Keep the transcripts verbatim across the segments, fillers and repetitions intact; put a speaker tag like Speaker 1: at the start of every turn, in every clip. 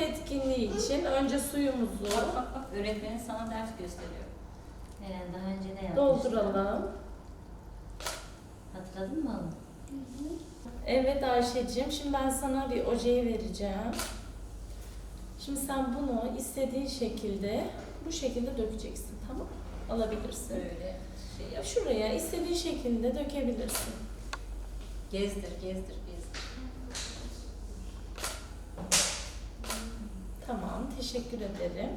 Speaker 1: etkinliği için önce suyumuzu
Speaker 2: Bak bak bak, öğretmenin sana ders gösteriyor.
Speaker 3: Eren daha önce de yapmıştı.
Speaker 1: dolduralım.
Speaker 3: Hatırladın mı oğlum?
Speaker 1: Evet Ayşe'cim, şimdi ben sana bir ojeyi vereceğim. Şimdi sen bunu istediğin şekilde, bu şekilde dökeceksin, tamam? Alabilirsin.
Speaker 2: Böyle şey yap.
Speaker 1: Şuraya istediğin şekilde dökebilirsin.
Speaker 2: Gezdir, gezdir, gezdir.
Speaker 1: Tamam, teşekkür ederim.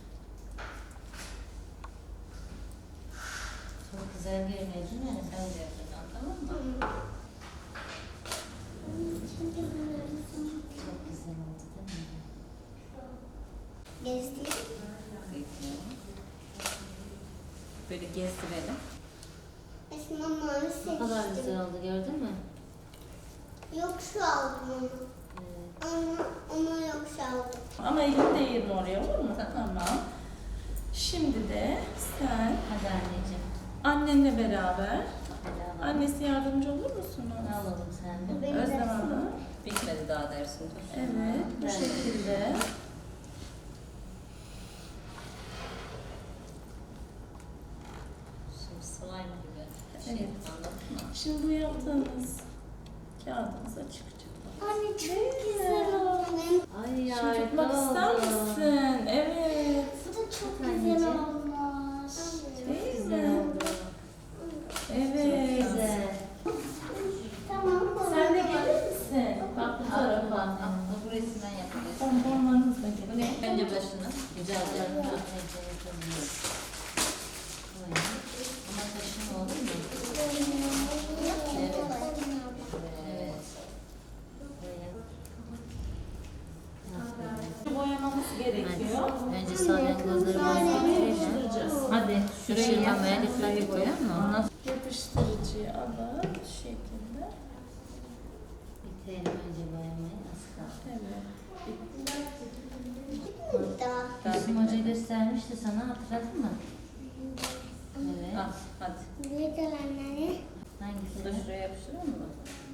Speaker 3: Çok güzel görünüyor değil mi?
Speaker 2: Sen de yapacağım, tamam mı?
Speaker 3: Çok güzel oldu değil mi?
Speaker 4: Gezdi.
Speaker 2: Bekliyorum. Böyle gezdirelim.
Speaker 4: Esma mavi
Speaker 3: Ne kadar
Speaker 4: seçtim.
Speaker 3: güzel oldu gördün mü?
Speaker 4: Yok şu aldım onu.
Speaker 3: Evet.
Speaker 4: Ama ona yok şu aldım.
Speaker 1: Ama elini değirme oraya, olur mu?
Speaker 2: Tamam.
Speaker 1: Tamam. Şimdi de sen
Speaker 3: Hadi anneciğim.
Speaker 1: annenle beraber,
Speaker 3: Hadi alalım.
Speaker 1: annesi yardımcı olur musunuz?
Speaker 3: Ne alalım sen de?
Speaker 4: Benim
Speaker 1: Özlem
Speaker 4: dersim.
Speaker 1: Hanım.
Speaker 2: Bitmedi daha dersin. Dur.
Speaker 1: Evet, bu
Speaker 3: Ben de.
Speaker 1: şekilde.
Speaker 2: Şimdi slime gibi. Şey,
Speaker 1: Evet.
Speaker 2: anladın mı?
Speaker 1: Şimdi bu yaptığınız kağıdınıza çıkacak.
Speaker 4: Anne çok güzel oldu.
Speaker 3: Ay
Speaker 1: Şimdi
Speaker 3: harika
Speaker 1: tutmak ister
Speaker 3: oldu.
Speaker 1: misin? Evet.
Speaker 4: Bu da çok
Speaker 3: Çok
Speaker 4: güzel
Speaker 3: anneciğim.
Speaker 4: olmuş.
Speaker 3: Çok
Speaker 1: Değil
Speaker 3: güzel
Speaker 1: mi?
Speaker 3: oldu.
Speaker 1: Evet.
Speaker 3: Çok güzel.
Speaker 4: Tamam.
Speaker 1: Sen de gelir misin? Bak bu
Speaker 2: Al, al,
Speaker 1: tarafa.
Speaker 2: al. Bu resimden yapacağız.
Speaker 1: Bonbonlarınızla
Speaker 2: Bu
Speaker 1: gelin.
Speaker 2: ne? Önce başını. Güzel
Speaker 3: Güzel
Speaker 2: yapalım.
Speaker 3: anneciğim yapabiliriz. Böyle. Ama taşın olur mu? Evet. Evet. Böyle. Aferin.
Speaker 1: Boyamamız gerekiyor.
Speaker 3: Hadi. Önce salyangozlarımızı bitirelim. Hadi. Şurayı yapmaya dikkatli koyalım mı? Ondan sonra
Speaker 1: Yapıştırıcıyı alıp şu şekilde.
Speaker 3: bitirelim önce boyamayı. Az kaldı.
Speaker 1: Evet.
Speaker 4: Burada.
Speaker 3: Gülsüm Hoca göstermişti sana, hatırladın mı? Evet.
Speaker 2: Al, hadi.
Speaker 4: Ne kalanları?
Speaker 3: Hangisi?
Speaker 2: Bunu da şuraya yapıştıralım mı?